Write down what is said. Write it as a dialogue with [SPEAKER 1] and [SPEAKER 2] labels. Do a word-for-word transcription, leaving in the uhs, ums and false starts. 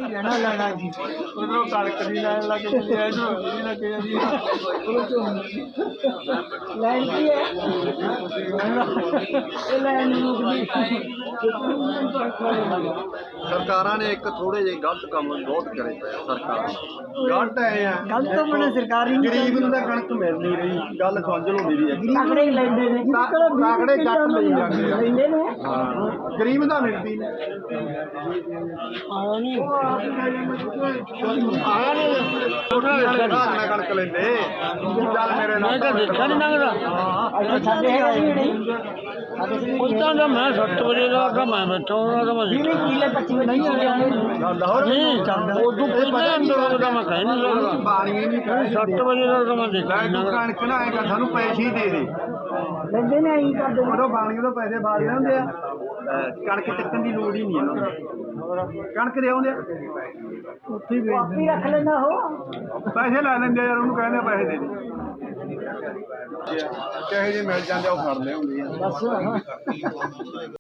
[SPEAKER 1] ਲੈਣਾ ਲੈਣਾ ਜੀ ਉਧਰੋਂ ਕਣਕ ਦੀ ਲੈਣ ਲੱਗ ਜਾਂਦੀ ਹੈ ਇਧਰੋਂ ਨਹੀਂ ਲੱਗ ਜਾਂਦੀ ਲੈਣ ਕੀ ਹੈ ਇਹ ਲੈਣ ਮੁਕਦੀ
[SPEAKER 2] ਸਰਕਾਰਾਂ ਨੇ ਇੱਕ ਥੋੜੇ ਜਿਹੇ ਗਲਤ ਕੰਮ ਬਹੁਤ ਕਰੇ ਪਏ ਸਰਕਾਰ ਗਲਤ ਐ ਆ
[SPEAKER 1] ਗਲਤ ਤਾਂ ਬਣੇ ਸਰਕਾਰੀ
[SPEAKER 2] ਗਰੀਬ ਨੂੰ ਤਾਂ ਕਣਕ ਮਿਲ ਨਹੀਂ ਰਹੀ ਗੱਲ ਸਮਝ ਲਓ ਮੇਰੀ ਇੱਕ
[SPEAKER 1] ਤਕੜੇ ਹੀ ਲੈਂਦੇ ਨੇ
[SPEAKER 2] ਤਕੜੇ ਜੱਟ ਲਈ ਜਾਂਦੇ ਆ
[SPEAKER 1] ਲੈਂਦੇ ਨੇ
[SPEAKER 2] ਹਾਂ ਗਰੀਬ ਦਾ ਮਿਲਦੀ ਨਹੀਂ
[SPEAKER 1] ਆਇਆ ਨਹੀਂ
[SPEAKER 2] ਆਇਆ ਨਹੀਂ ਉਹਨਾਂ ਕਣਕ ਲੈਂਦੇ ਚੱਲ ਮੇਰੇ ਨਾਲ
[SPEAKER 3] ਤਾਂ ਦੇਖਿਆ ਨਹੀਂ ਲੰਘਦਾ
[SPEAKER 1] ਅੱਜ ਸਾਡੇ ਹੈਗਾ ਜੀ
[SPEAKER 3] ਉਦਾਂ ਦਾ ਮੈਂ ਸੱਤ ਵਜੇ ਦਾ ਤਾਂ ਮੈਂ ਬੈਠਾ ਉਹਨਾਂ ਦਾ ਮੈਂ
[SPEAKER 1] ਵੀਹ ਕਿੱਲੇ ਪੱਚੀ ਨਹੀਂ ਹੋ ਰਿਹਾ
[SPEAKER 2] ਲਾਹੌਰ
[SPEAKER 3] ਨਹੀਂ ਉਦੋਂ ਪਹਿਲਾਂ ਅੰਦਰ ਦਾ ਮੈਂ ਕਹਿ ਨਹੀਂ ਸਕਦਾ
[SPEAKER 2] ਬਾਣੀਏ ਨਹੀਂ ਕਹਿੰਦੇ
[SPEAKER 3] ਸੱਤ ਵਜੇ ਦਾ ਤਾਂ ਮੈਂ ਦੇਖਿਆ
[SPEAKER 2] ਲੈ ਤੂੰ ਕਣਕ ਨਾ ਆਏਗਾ ਸਾਨੂੰ ਪੈਸੇ ਹੀ ਦੇ ਦੇ
[SPEAKER 1] ਲੈਂਦੇ ਨੇ ਆਈ ਕਰਦੇ
[SPEAKER 2] ਉਦੋਂ ਬਾਣੀਏ ਤੋਂ ਪੈਸੇ ਬਾਲ ਜਾਂਦੇ ਆ ਕਣਕ ਚੱਕਣ ਦੀ ਲੋੜ ਹੀ ਨਹੀਂ ਇਹਨਾਂ ਨੂੰ ਕਣਕ ਦੇ ਆਉਂਦੇ ਆ
[SPEAKER 1] ਉੱਥੇ ਹੀ ਆਪੀ ਰੱਖ ਲੈਂਦਾ ਉਹ
[SPEAKER 2] ਪੈਸੇ ਲੈ ਲੈਂਦੇ ਯਾਰ ਉਹਨੂੰ ਕਹਿੰਦੇ ਪੈਸੇ ਦੇ ਦੇ ਜਿਹੇ ਜਿਹੇ ਮਿਲ ਜਾਂਦੇ ਉਹ ਫੜਦੇ ਹੁੰਦੇ ਆ
[SPEAKER 1] ਬਸ